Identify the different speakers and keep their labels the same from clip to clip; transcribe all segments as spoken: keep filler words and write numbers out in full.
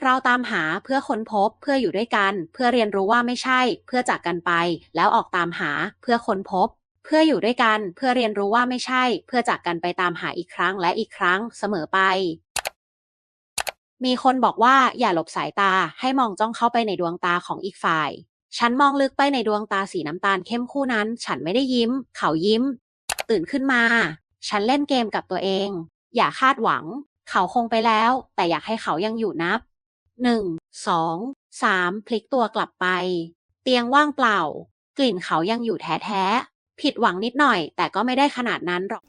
Speaker 1: เราตามหาเพื่อค้นพบเพื่ออยู่ด้วยกันเพื่อเรียนรู้ว่าไม่ใช่เพื่อจากกันไปแล้วออกตามหาเพื่อค้นพบเพื่ออยู่ด้วยกันเพื่อเรียนรู้ว่าไม่ใช่เพื่อจากกันไปตามหาอีกครั้งและอีกครั้งเสมอไปมีคนบอกว่าอย่าหลบสายตาให้มองจ้องเข้าไปในดวงตาของอีกฝ่ายฉันมองลึกไปในดวงตาสีน้ำตาลเข้มคู่นั้นฉันไม่ได้ยิ้มเขายิ้มตื่นขึ้นมาฉันเล่นเกมกับตัวเองอย่าคาดหวังเขาคงไปแล้วแต่อยากให้เขายังอยู่นับหนึ่ง สอง สามพลิกตัวกลับไปเตียงว่างเปล่ากลิ่นเขายังอยู่แท้ๆผิดหวังนิดหน่อยแต่ก็ไม่ได้ขนาดนั้นหรอก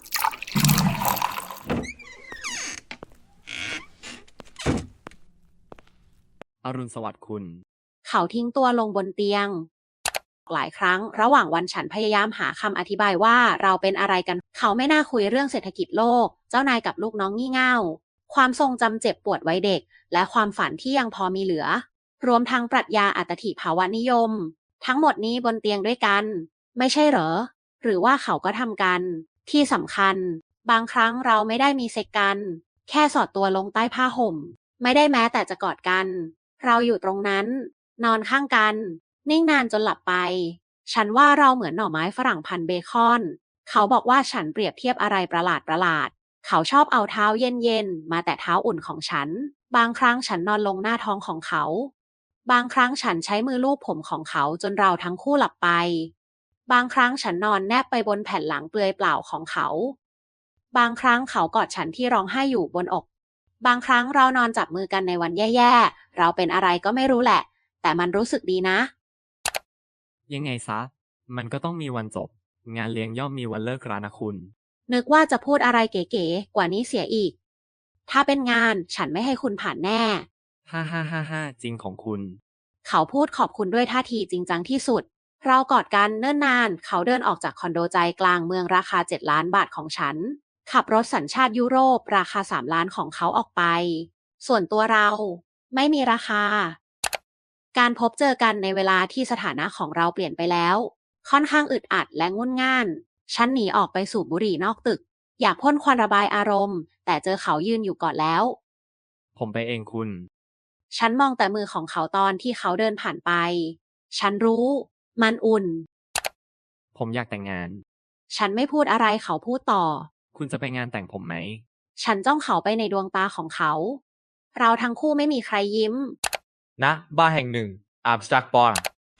Speaker 2: อรุณสวัสดิ์คุณ
Speaker 1: เขาทิ้งตัวลงบนเตียงหลายครั้งระหว่างวันฉันพยายามหาคำอธิบายว่าเราเป็นอะไรกันเขาไม่น่าคุยเรื่องเศรษฐกิจโลกเจ้านายกับลูกน้องงี่เง่าความทรงจำเจ็บปวดวัยเด็กและความฝันที่ยังพอมีเหลือรวมทั้งปรัชญาอัตถิภาวนิยมทั้งหมดนี้บนเตียงด้วยกันไม่ใช่เหรอหรือว่าเขาก็ทำกันที่สำคัญบางครั้งเราไม่ได้มีเซ็กกันแค่สอดตัวลงใต้ผ้าห่มไม่ได้แม้แต่จะกอดกันเราอยู่ตรงนั้นนอนข้างกันนิ่งนานจนหลับไปฉันว่าเราเหมือนหน่อไม้ฝรั่งพันเบคอนเขาบอกว่าฉันเปรียบเทียบอะไรประหลาดประหลาดเขาชอบเอาเท้าเย็นๆมาแตะเท้าอุ่นของฉันบางครั้งฉันนอนลงหน้าท้องของเขาบางครั้งฉันใช้มือลูบผมของเขาจนเราทั้งคู่หลับไปบางครั้งฉันนอนแนบไปบนแผ่นหลังเปลือยเปล่าของเขาบางครั้งเขากอดฉันที่ร้องไห้อยู่บนอกบางครั้งเรานอนจับมือกันในวันแย่ๆเราเป็นอะไรก็ไม่รู้แหละแต่มันรู้สึกดีนะ
Speaker 2: ยังไงซะมันก็ต้องมีวันจบงานเลี้ยงย่อมมีวันเลิกรานะคุณ
Speaker 1: นึกว่าจะพูดอะไรเก๋ๆกว่านี้เสียอีกถ้าเป็นงานฉันไม่ให้คุณผ่านแน่
Speaker 2: ฮ่าฮ่าฮ่าฮ่าจริงของคุณ
Speaker 1: เขาพูดขอบคุณด้วยท่าทีจริงจังที่สุดเรากอดกันเนิ่นนานเขาเดินออกจากคอนโดใจกลางเมืองราคาเจ็ดล้านบาทของฉันขับรถสัญชาติยุโรปราคาสามล้านของเขาออกไปส่วนตัวเราไม่มีราคาการพบเจอกันในเวลาที่สถานะของเราเปลี่ยนไปแล้วค่อนข้างอึดอัดและงุ่นง่านฉันหนีออกไปสูบบุหรี่นอกตึกอยากพ่นควันระบายอารมณ์แต่เจอเขายืนอยู่ก่อนแล้ว
Speaker 2: ผมไปเองคุณ
Speaker 1: ฉันมองแต่มือของเขาตอนที่เขาเดินผ่านไปฉันรู้มันอุ่น
Speaker 2: ผมอยากแต่งงาน
Speaker 1: ฉันไม่พูดอะไรเขาพูดต่อ
Speaker 2: คุณจะไปงานแต่งผมไหม
Speaker 1: ฉันจ้องเขาไปในดวงตาของเขาเราทั้งคู่ไม่มีใครยิ้ม
Speaker 3: ณบาร์แห่งหนึ่งอัมสเตอร์ดัม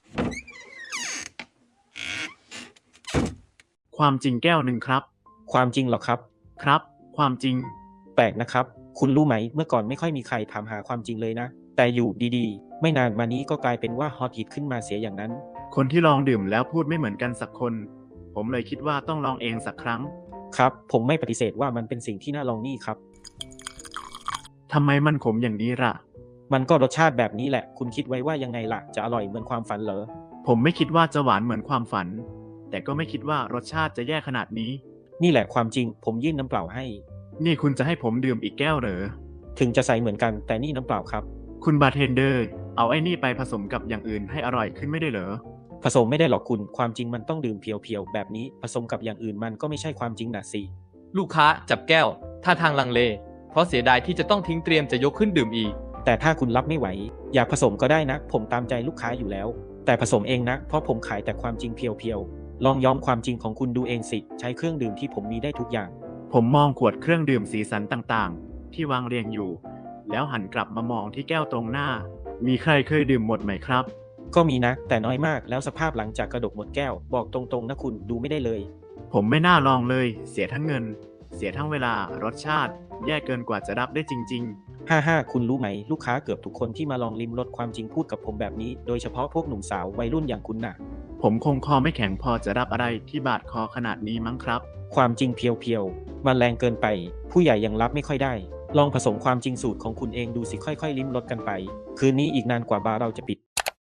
Speaker 4: ความจริงแก้วหนึ่งครับ
Speaker 5: ความจริงหรอครับ
Speaker 4: ครับความจริง
Speaker 5: แปลกนะครับคุณรู้ไหมเมื่อก่อนไม่ค่อยมีใครถามหาความจริงเลยนะแต่อยู่ดีๆไม่นานมานี้ก็กลายเป็นว่าฮอตฮิตขึ้นมาเสียอย่างนั้น
Speaker 4: คนที่ลองดื่มแล้วพูดไม่เหมือนกันสักคนผมเลยคิดว่าต้องลองเองสักครั้ง
Speaker 5: ครับผมไม่ปฏิเสธว่ามันเป็นสิ่งที่น่าลองนี่ครับ
Speaker 4: ทำไมมันขมอย่างนี้ล่ะ
Speaker 5: มันก็รสชาติแบบนี้แหละคุณคิดไว้ว่ายังไงล่ะจะอร่อยเหมือนความฝันเหรอ
Speaker 4: ผมไม่คิดว่าจะหวานเหมือนความฝันแต่ก็ไม่คิดว่ารสชาติจะแย่ขนาดนี้
Speaker 5: นี่แหละความจริงผมยื่นน้ำเปล่าให้
Speaker 4: นี่คุณจะให้ผมดื่มอีกแก้วเหรอ
Speaker 5: ถึงจะใสเหมือนกันแต่นี่น้ำเปล่าครับ
Speaker 4: คุณบาร์เทนเดอร์เอาไอ้นี่ไปผสมกับอย่างอื่นให้อร่อยขึ้นไม่ได้เหรอ
Speaker 5: ผสมไม่ได้หรอกคุณความจริงมันต้องดื่มเพียวๆแบบนี้ผสมกับอย่างอื่นมันก็ไม่ใช่ความจริงนะสิ
Speaker 3: ลูกค้าจับแก้วท่าทางลังเลเพราะเสียดายที่จะต้องทิ้งเตรียมจะยกขึ้นดื่มอีก
Speaker 5: แต่ถ้าคุณรับไม่ไหวอยากผสมก็ได้นะผมตามใจลูกค้าอยู่แล้วแต่ผสมเองนะเพราะผมขายแต่ความจริงเพียวๆลองย้อมความจริงของคุณดูเองสิใช้เครื่องดื่มที่ผมมีได้ทุกอย่าง
Speaker 4: ผมมองขวดเครื่องดื่มสีสันต่างๆที่วางเรียงอยู่แล้วหันกลับมามองที่แก้วตรงหน้ามีใครเคยดื่มหมดไหมครับ
Speaker 5: ก็มีนะแต่น้อยมากแล้วสภาพหลังจากกระดกหมดแก้วบอกตรงๆนะคุณดูไม่ได้เลย
Speaker 4: ผมไม่น่าลองเลยเสียทั้งเงินเสียทั้งเวลารสชาติแย่เกินกว่าจะรับได้จริง
Speaker 5: ๆฮ่าฮ่าคุณรู้ไหมลูกค้าเกือบทุกคนที่มาลองลิ้มรสความจริงพูดกับผมแบบนี้โดยเฉพาะพวกหนุ่มสาววัยรุ่นอย่างคุณน่ะ
Speaker 4: ผมคงคอไม่แข็งพอจะรับอะไรที่บาดคอขนาดนี้มั้งครับ
Speaker 5: ความจริงเพียวๆมันแรงเกินไปผู้ใหญ่ยังรับไม่ค่อยได้ลองผสมความจริงสูตรของคุณเองดูสิค่อยๆลิ้มรสกันไปคืนนี้อีกนานกว่าบาร์เราจะปิด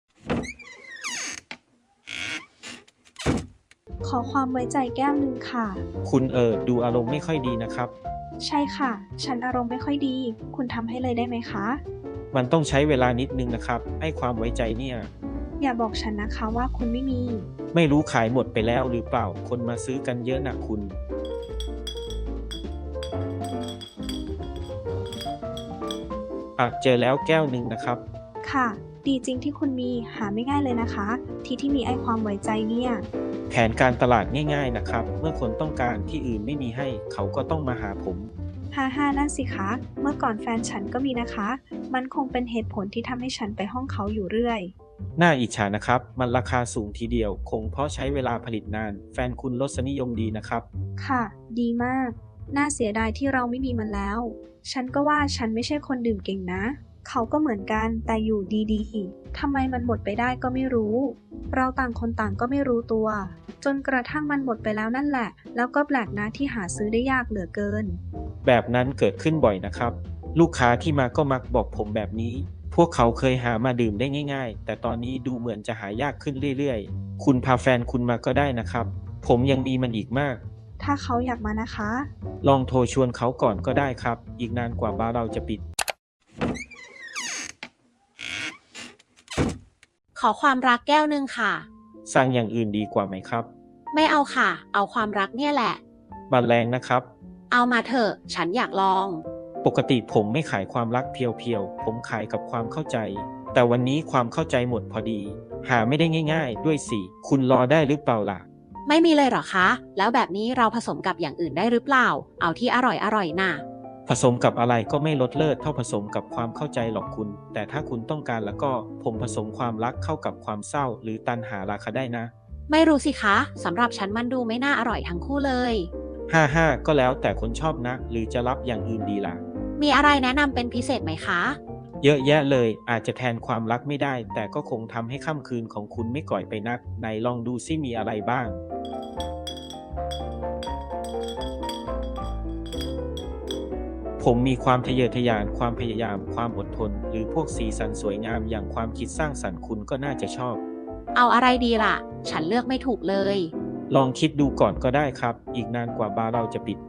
Speaker 6: ขอความไว้ใจแก้วหนึ่งค่ะ
Speaker 5: คุณเออดูอารมณ์ไม่ค่อยดีนะครับ
Speaker 6: ใช่ค่ะฉันอารมณ์ไม่ค่อยดีคุณทำให้เลยได้ไหมคะ
Speaker 5: มันต้องใช้เวลานิดนึงนะครับให้ความไว้ใจเนี่ย
Speaker 6: อย่าบอกฉันนะคะว่าคุณไม่มี
Speaker 5: ไม่รู้ขายหมดไปแล้วหรือเปล่าคนมาซื้อกันเยอะนะคุณอ่ะเจอแล้วแก้วหนึ่งนะครับ
Speaker 6: ค่ะ ดีจริงที่คุณมีหาไม่ง่ายเลยนะคะ ที่ที่มีไอ้ความไว้ใจเนี่ย
Speaker 5: แผนการตลาดง่ายๆนะครับ เมื่อคนต้องการที่อื่นไม่มีให้ เขาก็ต้องมาหาผม
Speaker 6: ฮ่าฮ่านั่นสิคะ เมื่อก่อนแฟนฉันก็มีนะคะ มันคงเป็นเหตุผลที่ทำให้ฉันไปห้องเขาอยู่เรื่อย
Speaker 5: น่าอิจฉานะครับ มันราคาสูงทีเดียว คงเพราะใช้เวลาผลิตนาน แฟนคุณรสนิยมดีนะครับ
Speaker 6: ค่ะ ดีมาก น่าเสียดายที่เราไม่มีมันแล้ว ฉันก็ว่าฉันไม่ใช่คนดื่มเก่งนะ เขาก็เหมือนกันแต่อยู่ดีๆทำไมมันหมดไปได้ก็ไม่รู้ เราต่างคนต่างก็ไม่รู้ตัว จนกระทั่งมันหมดไปแล้วนั่นแหละ แล้วก็แปลกนะที่หาซื้อได้ยากเหลือเกิน
Speaker 5: แบบนั้นเกิดขึ้นบ่อยนะครับ ลูกค้าที่มาก็มักบอกผมแบบนี้ พวกเขาเคยหามาดื่มได้ง่ายๆ แต่ตอนนี้ดูเหมือนจะหายากขึ้นเรื่อยๆ คุณพาแฟนคุณมาก็ได้นะครับ ผมยังมีมันอีกมาก
Speaker 6: ถ้าเขาอยากมานะคะ
Speaker 5: ลองโทรชวนเขาก่อนก็ได้ครับ อีกนานกว่าบาร์เราจะปิด
Speaker 1: ขอความรักแก้วหนึ่งค่ะ
Speaker 5: สั่งอย่างอื่นดีกว่าไหมครับ
Speaker 1: ไม่เอาค่ะ เอาความรักเนี่ยแหละ
Speaker 5: บัตรแรงนะครับ
Speaker 1: เอามาเถอะ ฉันอยากลอง
Speaker 5: ปกติผมไม่ขายความรักเพียวๆ ผมขายกับความเข้าใจ แต่วันนี้ความเข้าใจหมดพอดี หาไม่ได้ง่ายๆ ด้วยสิ คุณรอได้หรือเปล่าล่ะ
Speaker 1: ไม่มีเลยเหรอคะ แล้วแบบนี้เราผสมกับอย่างอื่นได้หรือเปล่า เอาที่อร่อยอร่อยน่ะ
Speaker 5: ผสมกับอะไรก็ไม่ลดเลิศเท่าผสมกับความเข้าใจหรอกคุณ แต่ถ้าคุณต้องการแล้วก็ผมผสมความรักเข้ากับความเศร้า หรือตัณหาราคาได้นะ
Speaker 1: ไม่รู้สิคะสำหรับฉันมันดูไม่น่าอร่อยทั้งคู่เลย
Speaker 5: ห้าห้าก็แล้วแต่คนชอบนะ หรือจะรับอย่างอื่นดีล่ะ
Speaker 1: มีอะไรแนะนำเป็นพิเศษไหมคะ
Speaker 5: เยอะแยะเลย อาจจะแทนความรักไม่ได้ แต่ก็คงทำให้ค่ำคืนของคุณไม่ก่อยไปนักไหนลองดูซิมีอะไรบ้าง ผมมีความทะเยอทะยาน ความพยายาม ความอดทน หรือพวกสีสันสวยงามอย่างความคิดสร้างสรรค์คุณก็น่าจะชอบ
Speaker 1: เอาอะไรดีล่ะ ฉันเลือกไม่ถูกเลย
Speaker 5: ลองคิดดูก่อนก็ได้ครับ อีกนานกว่าบาร์เราจะปิด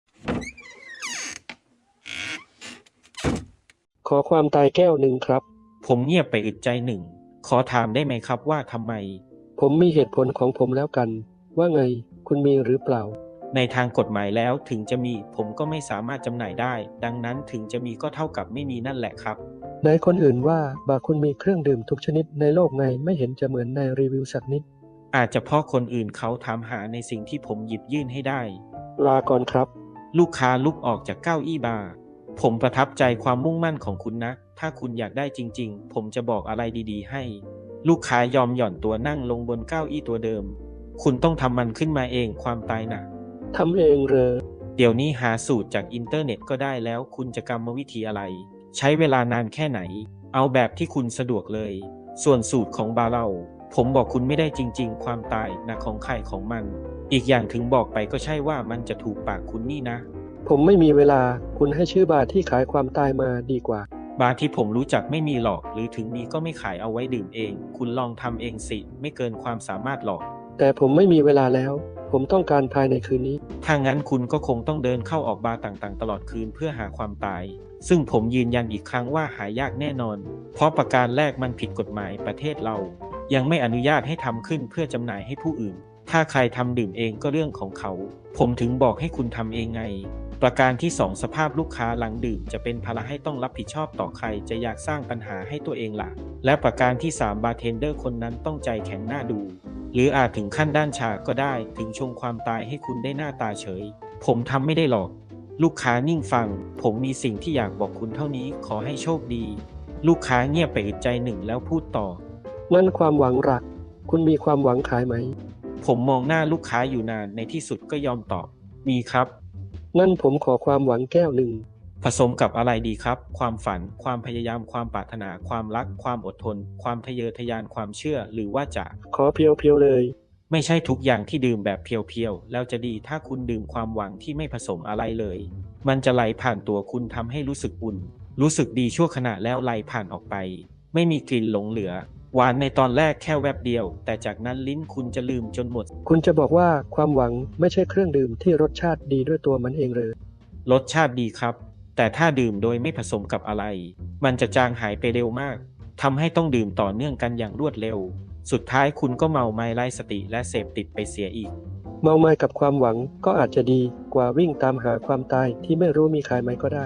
Speaker 7: ขอความตายแก้วหนึ่งครับ
Speaker 5: ผมเงียบไปอึดใจหนึ่ง ขอถามได้ไหมครับว่าทำไม
Speaker 7: ผมมีเหตุผลของผมแล้วกัน ว่าไง คุณมีหรือเปล่า
Speaker 5: ในทางกฎหมายแล้วถึงจะมีผมก็ไม่สามารถจำหน่ายได้ ดังนั้นถึงจะมีก็เท่ากับไม่มีนั่นแหละครับ
Speaker 7: ในคนอื่นว่าบาร์คุณมีเครื่องดื่มทุกชนิดในโลกไงไม่เห็นจะเหมือนในรีวิวสักนิด
Speaker 5: อาจจะเพราะคนอื่นเขาถามหาในสิ่งที่ผมหยิบยื่นให้ได้
Speaker 7: ลาก่อนครับ
Speaker 5: ลูกค้าลุกออกจากเก้าอี้บาร์ผมประทับใจความมุ่งมั่นของคุณนะ ถ้าคุณอยากได้จริงๆ ผมจะบอกอะไรดีๆให้ ลูกค้ายอมหย่อนตัวนั่งลงบนเก้าอี้ตัวเดิม คุณต้องทำมันขึ้นมาเองความตายหนัก
Speaker 7: ทำเองเหรอ
Speaker 5: เดี๋ยวนี้หาสูตรจากอินเทอร์เน็ตก็ได้แล้วคุณจะกรรมวิธีอะไร ใช้เวลานานแค่ไหน เอาแบบที่คุณสะดวกเลย ส่วนสูตรของบาร์เราผมบอกคุณไม่ได้จริงๆ ความตายนะของใครของมัน อีกอย่างถึงบอกไปก็ใช่ว่ามันจะถูกปากคุณนี่นะ
Speaker 7: ผมไม่มีเวลาคุณให้ชื่อบาร์ที่ขายความตายมาดีกว่า
Speaker 5: บาร์ที่ผมรู้จักไม่มีหรอก หรือถึงมีก็ไม่ขายเอาไว้ดื่มเอง คุณลองทำเองสิ ไม่เกินความสามารถหรอก
Speaker 7: แต่ผมไม่มีเวลาแล้ว ผมต้องการภายในคืนนี้
Speaker 5: ถ้างั้นคุณก็คงต้องเดินเข้าออกบาร์ต่างๆ ตลอดคืนเพื่อหาความตาย ซึ่งผมยืนยันอีกครั้งว่าหายากแน่นอน เพราะประการแรกมันผิดกฎหมายประเทศเรา ยังไม่อนุญาตให้ทำขึ้นเพื่อจำหน่ายให้ผู้อื่น ถ้าใครทำดื่มเองก็เรื่องของเขา ผมถึงบอกให้คุณทำเองไง ประการที่สองสภาพลูกค้าหลังดื่มจะเป็นภาระให้ต้องรับผิดชอบต่อใครจะอยากสร้างปัญหาให้ตัวเองล่ะ และประการที่สามบาร์เทนเดอร์คนนั้นต้องใจแข็งหน้าดู หรืออาจถึงขั้นด้านชาก็ได้ถึงชงความตายให้คุณได้หน้าตาเฉย ผมทำไม่ได้หรอก ลูกค้านิ่งฟัง ผมมีสิ่งที่อยากบอกคุณเท่านี้ขอให้โชคดี ลูกค้าเงียบไปอึดใจหนึ่งแล้วพูดต่อ
Speaker 7: นั่นความหวังหลัก คุณมีความหวังขายไหม
Speaker 5: ผมมองหน้าลูกค้าอยู่นานในที่สุดก็ยอมตอบ มีครับ
Speaker 7: นั่นผมขอความหวังแก้วหนึ่ง
Speaker 5: ผสมกับอะไรดีครับ ความฝัน ความพยายาม ความปรารถนา ความรัก ความอดทน ความทะเยอทะยาน ความเชื่อ หรือว่าจะ
Speaker 7: ขอเพียวๆเลย
Speaker 5: ไม่ใช่ทุกอย่างที่ดื่มแบบเพียวๆ แล้วจะดีถ้าคุณดื่มความหวังที่ไม่ผสมอะไรเลย มันจะไหลผ่านตัวคุณทำให้รู้สึกอุ่น รู้สึกดีชั่วขณะแล้วไหลผ่านออกไป ไม่มีกลิ่นหลงเหลือ หวานในตอนแรกแค่แวบเดียว แต่จากนั้นลิ้นคุณจะลืมจนหมด
Speaker 7: คุณจะบอกว่าความหวังไม่ใช่เครื่องดื่มที่รสชาติดีด้วยตัวมันเองเลย
Speaker 5: รสชาติดีครับ แต่ถ้าดื่มโดยไม่ผสมกับอะไร มันจะจางหายไปเร็วมาก ทำให้ต้องดื่มต่อเนื่องกันอย่างรวดเร็ว สุดท้ายคุณก็เมาไม้ไร้สติและเสพติดไปเสียอีก
Speaker 7: เมาไม้กับความหวังก็อาจจะดีกว่าวิ่งตามหาความตายที่ไม่รู้มีขายไหมก็ได้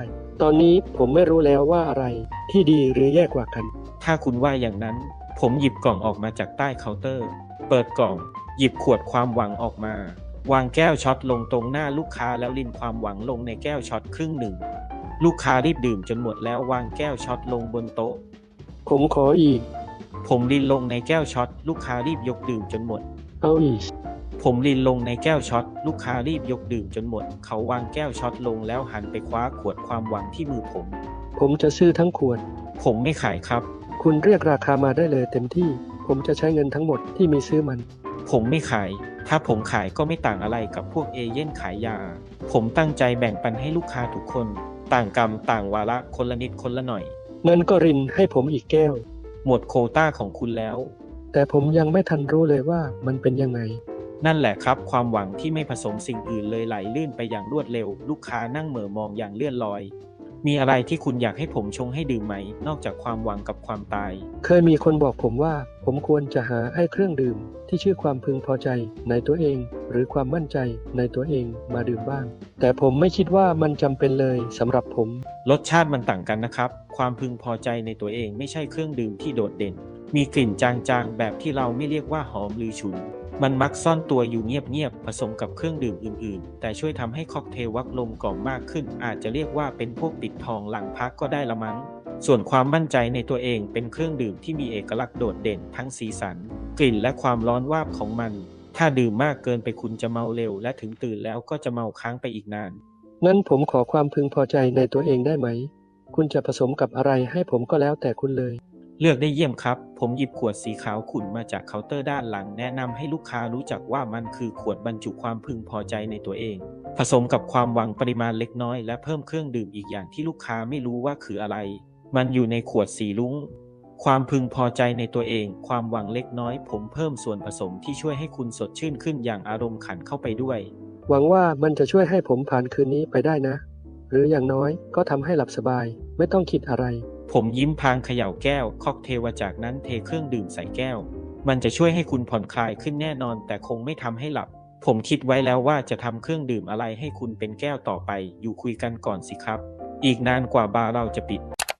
Speaker 7: ตอนนี้ผมไม่รู้แล้วว่าอะไรที่ดีหรือแย่กว่ากัน
Speaker 5: ถ้าคุณว่าอย่างนั้น ผมหยิบกล่องออกมาจากใต้เคาน์เตอร์ เปิดกล่อง หยิบขวดความหวังออกมา วางแก้วช็อตลงตรงหน้าลูกค้าแล้วรินความหวังลงในแก้วช็อตครึ่งหนึ่ง ลูกค้ารีบดื่มจนหมดแล้ววางแก้วช็อตลงบนโต๊ะ
Speaker 7: ผมขออีก
Speaker 5: ผมรินลงในแก้วช็อตลูกค้ารีบยกดื่มจนหมด
Speaker 7: เอาอีก
Speaker 5: ผมรินลงในแก้วช็อตลูกค้ารีบยกดื่มจนหมด เขาวางแก้วช็อตลงแล้วหันไปคว้าขวดความหวังที่มือผม
Speaker 7: ผมจะซื้อทั้งขวด
Speaker 5: ผมไม่ขายครับ
Speaker 7: คุณเรียกราคามาได้เลยเต็มที่ ผมจะใช้เงินทั้งหมดที่มีซื้อมัน
Speaker 5: ผมไม่ขาย ถ้าผมขายก็ไม่ต่างอะไรกับพวกเอเย่นขายยา ผมตั้งใจแบ่งปันให้ลูกค้าทุกคน ต่างกรรมต่างวาระคนละนิดคนละหน่อย
Speaker 7: งั้นก็รินให้ผมอีกแก้ว
Speaker 5: หมดโควต้าของคุณแล้ว
Speaker 7: แต่ผมยังไม่ทันรู้เลยว่ามันเป็นยังไง
Speaker 5: นั่นแหละครับความหวังที่ไม่ผสมสิ่งอื่นเลยไหลลื่นไปอย่างรวดเร็ว ลูกค้านั่งเหม่อมองอย่างเลื่อนลอย มีอะไรที่คุณอยากให้ผมชงให้ดื่มไหม นอกจากความหวังกับความตาย
Speaker 7: เคยมีคนบอกผมว่าผมควรจะหาไอ้เครื่องดื่มที่ชื่อความพึงพอใจในตัวเอง หรือความมั่นใจในตัวเองมาดื่มบ้าง แต่ผมไม่คิดว่ามันจำเป็นเลยสำหรับผม
Speaker 5: รสชาติมันต่างกันนะครับ ความพึงพอใจในตัวเองไม่ใช่เครื่องดื่มที่โดดเด่น มีกลิ่นจางๆแบบที่เราไม่เรียกว่าหอมหรือฉุน มันมักซ่อนตัวอยู่เงียบๆผสมกับเครื่องดื่มอื่นๆแต่ช่วยทำให้ค็อกเทลวักลมกล่อมมากขึ้นอาจจะเรียกว่าเป็นพวกปิดทองหลังพักก็ได้ละมั้งส่วนความมั่นใจในตัวเองเป็นเครื่องดื่มที่มีเอกลักษณ์โดดเด่นทั้งสีสันกลิ่นและความร้อนวาบของมันถ้าดื่มมากเกินไปคุณจะเมาเร็วและถึงตื่นแล้วก็จะเมาค้างไปอีกนาน
Speaker 7: งั้นผมขอความพึงพอใจในตัวเองได้ไหม คุณจะผสมกับอะไรให้ผมก็แล้วแต่คุณเลย
Speaker 5: เลือกได้เยี่ยมครับผมหยิบขวดสีขาวขุ่นมาจากเคาน์เตอร์ด้านหลังแนะนำให้ลูกค้ารู้จักว่ามันคือขวดบรรจุความพึงพอใจในตัวเองผสมกับความหวังปริมาณเล็กน้อยและเพิ่มเครื่องดื่มอีกอย่างที่ลูกค้าไม่รู้ว่าคืออะไรมันอยู่ในขวดสีลุ้งความพึงพอใจในตัวเองความหวังเล็กน้อยผมเพิ่มส่วนผสมที่ช่วยให้คุณสดชื่นขึ้นอย่างอารมณ์ขันเข้าไปด้วย
Speaker 7: หวังว่ามันจะช่วยให้ผมผ่านคืนนี้ไปได้นะหรืออย่างน้อยก็ทำให้หลับสบายไม่ต้องคิดอะไร
Speaker 5: ผมยิ้มพลางเขย่าแก้วค็อกเทลจากนั้นเทเครื่องดื่มใส่แก้วมันจะช่วยให้คุณผ่อนคลายขึ้นแน่นอนแต่คงไม่ทำให้หลับผมคิดไว้แล้วว่าจะทำเครื่องดื่มอะไรให้คุณเป็นแก้วต่อไปอยู่คุยกันก่อนสิครับอีกนานกว่าบาร์เราจะปิด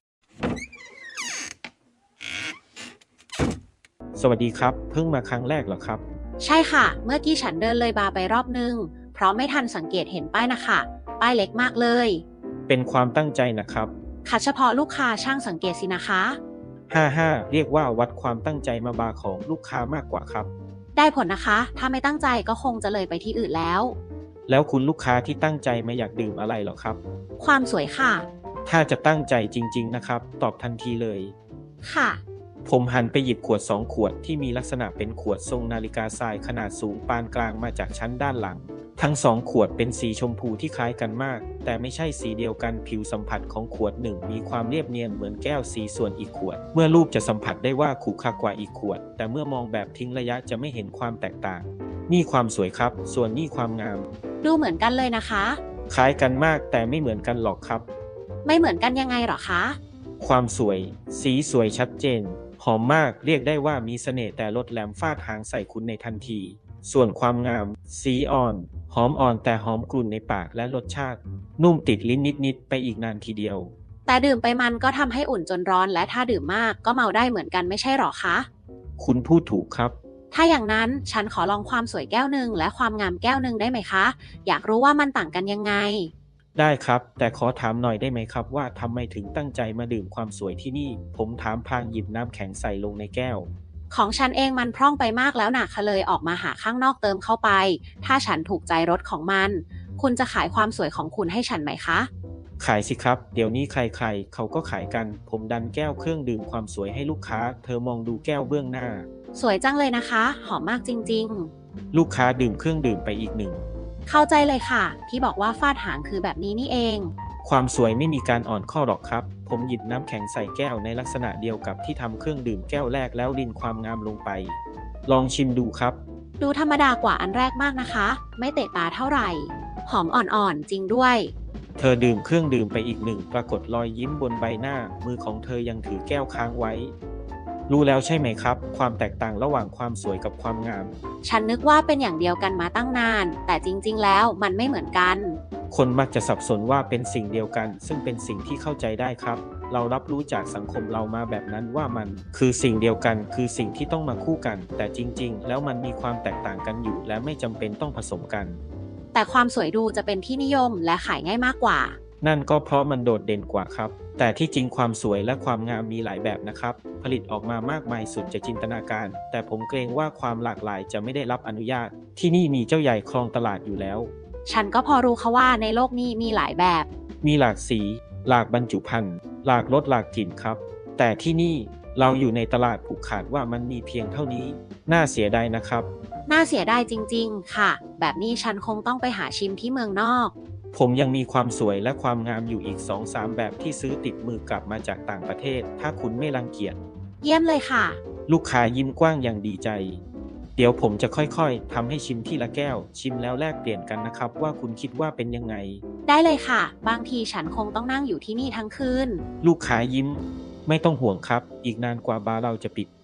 Speaker 5: สวัสดีครับเพิ่งมาครั้งแรกเหรอครับ
Speaker 1: ใช่ค่ะเมื่อกี้ฉันเดินเลยบาร์ไปรอบนึงเพราะไม่ทันสังเกตเห็นป้ายนะคะป้ายเล็กมากเลย
Speaker 5: เป็นความตั้งใจนะครับ
Speaker 1: ค่ะเฉพาะลูกค้าช่างสังเกตสินะคะ
Speaker 5: ห้าห้าเรียกว่าวัดความตั้งใจมาบาร์ของลูกค้ามากกว่าครับ
Speaker 1: ได้ผลนะคะถ้าไม่ตั้งใจก็คงจะเลยไปที่อื่นแล้ว
Speaker 5: แล้วคุณลูกค้าที่ตั้งใจมาอยากดื่มอะไรหรอครับ
Speaker 1: ความสวยค่ะ
Speaker 5: ถ้าจะตั้งใจจริงๆนะครับตอบทันทีเลย
Speaker 1: ค่ะ
Speaker 5: ผมหันไปหยิบขวดสองขวดที่มีลักษณะเป็นขวดทรงนาฬิกาทรายขนาดสูงปานกลางมาจากชั้นด้านหลังทั้งสองขวดเป็นสีชมพูที่คล้ายกันมากแต่ไม่ใช่สีเดียวกันผิวสัมผัสของขวดหนึ่งมีความเรียบเนียนเหมือนแก้วสีส่วนอีกขวดเมื่อรูปจะสัมผัสได้ว่าขรุขระกว่าอีกขวดแต่เมื่อมองแบบทิ้งระยะจะไม่เห็นความแตกต่างนี่ความสวยครับส่วนนี่ความงาม
Speaker 1: ดูเหมือนกันเลยนะคะ
Speaker 5: คล้ายกันมากแต่ไม่เหมือนกันหรอกครับ
Speaker 1: ไม่เหมือนกันยังไงหรอคะ
Speaker 5: ความสวยสีสวยชัดเจนหอมมากเรียกได้ว่ามีเสน่ห์แต่ลดแหลมฟาดหางใส่คุณในทันทีส่วนความงามสีอ่อนหอมอ่อนแต่หอมกลุ่นในปากและรสชาตินุ่มติดลิ้นนิดๆไปอีกนานทีเดียว
Speaker 1: แต่ดื่มไปมันก็ทำให้อุ่นจนร้อนและถ้าดื่มมากก็เมาได้เหมือนกันไม่ใช่หรอคะ
Speaker 5: คุณพูดถูกครับ
Speaker 1: ถ้าอย่างนั้นฉันขอลองความสวยแก้วหนึ่งและความงามแก้วหนึ่งได้ไหมคะอยากรู้ว่ามันต่างกันยังไง
Speaker 5: ได้ครับแต่ขอถามหน่อยได้ไหมครับว่าทำไมถึงตั้งใจมาดื่มความสวยที่นี่ผมถามพลางหยิบน้ำแข็งใส่ลงในแก้ว
Speaker 1: ของฉันเองมันพร่องไปมากแล้วนะค่ะเลยออกมาหาข้างนอกเติมเข้าไปถ้าฉันถูกใจรสของมันคุณจะขายความสวยของคุณให้ฉันไหมคะ
Speaker 5: ขายสิครับเดี๋ยวนี้ใครๆเขาก็ขายกันผมดันแก้วเครื่องดื่มความสวยให้ลูกค้าเธอมองดูแก้วเบื้องหน้า
Speaker 1: สวยจังเลยนะคะหอมมากจริง
Speaker 5: ๆลูกค้าดื่มเครื่องดื่มไปอีกหนึ่ง
Speaker 1: เข้าใจเลยค่ะที่บอกว่าฟาดหางคือแบบนี้นี่เอง
Speaker 5: ความสวยไม่มีการอ่อนข้อหรอกครับผมหยิบน้ำแข็งใส่แก้วในลักษณะเดียวกับที่ทำเครื่องดื่มแก้วแรกแล้วรินความงามลงไปลองชิมดูครับ
Speaker 1: ดูธรรมดากว่าอันแรกมากนะคะไม่เตะตาเท่าไหร่หอมอ่อนๆจริงด้วย
Speaker 5: เธอดื่มเครื่องดื่มไปอีกหนึ่งปรากฏรอยยิ้มบนใบหน้ามือของเธอยังถือแก้วค้างไว้รู้แล้วใช่ไหมครับความแตกต่างระหว่างความสวยกับความงาม
Speaker 1: ฉันนึกว่าเป็นอย่างเดียวกันมาตั้งนานแต่จริงๆแล้วมันไม่เหมือนกัน
Speaker 5: คนมักจะสับสนว่าเป็นสิ่งเดียวกัน ซึ่งเป็นสิ่งที่เข้าใจได้ครับ เรารับรู้จากสังคมเรามาแบบนั้นว่ามันคือสิ่งเดียวกันคือสิ่งที่ต้องมาคู่กัน แต่จริงๆแล้วมันมีความแตกต่างกันอยู่ และไม่จำเป็นต้องผสมกัน
Speaker 1: แต่ความสวยดูจะเป็นที่นิยมและขายง่ายมากกว่า
Speaker 5: นั่นก็เพราะมันโดดเด่นกว่าครับ แต่ที่จริงความสวยและความงามมีหลายแบบนะครับ ผลิตออกมามากมายสุดจะจินตนาการ แต่ผมเกรงว่าความหลากหลายจะไม่ได้รับอนุญาต ที่นี่มีเจ้าใหญ่ครองตลาดอยู่แล้ว
Speaker 1: ฉันก็พอรู้ค่ะว่าในโลกนี้มีหลายแบบ
Speaker 5: มีหลากสี หลากบรรจุภัณฑ์ หลากรสหลากกลิ่นครับ แต่ที่นี่เราอยู่ในตลาดผูกขาดว่ามันมีเพียงเท่านี้ น่าเสียดายนะครับ
Speaker 1: น่าเสียดายจริงๆ ค่ะ แบบนี้ฉันคงต้องไปหาชิมที่เมืองนอก
Speaker 5: ผมยังมีความสวยและความงามอยู่อีก สองสาม แบบที่ซื้อติดมือกลับมาจากต่างประเทศ ถ้าคุณไม่รังเกียจ
Speaker 1: เยี่ยมเลยค่ะ
Speaker 5: ลูกค้ายิ้มกว้างอย่างดีใจ เดี๋ยวผมจะค่อยๆทำให้ชิมทีละแก้ว ชิมแล้วแลกเปลี่ยนกันนะครับว่าคุณคิดว่าเป็นยังไง
Speaker 1: ได้เลยค่ะ บางทีฉันคงต้องนั่งอยู่ที่นี่ทั้งคืน
Speaker 5: ลูกค้ายิ้ม ไม่ต้องห่วงครับ อีกนานกว่าบาร์เราจะปิด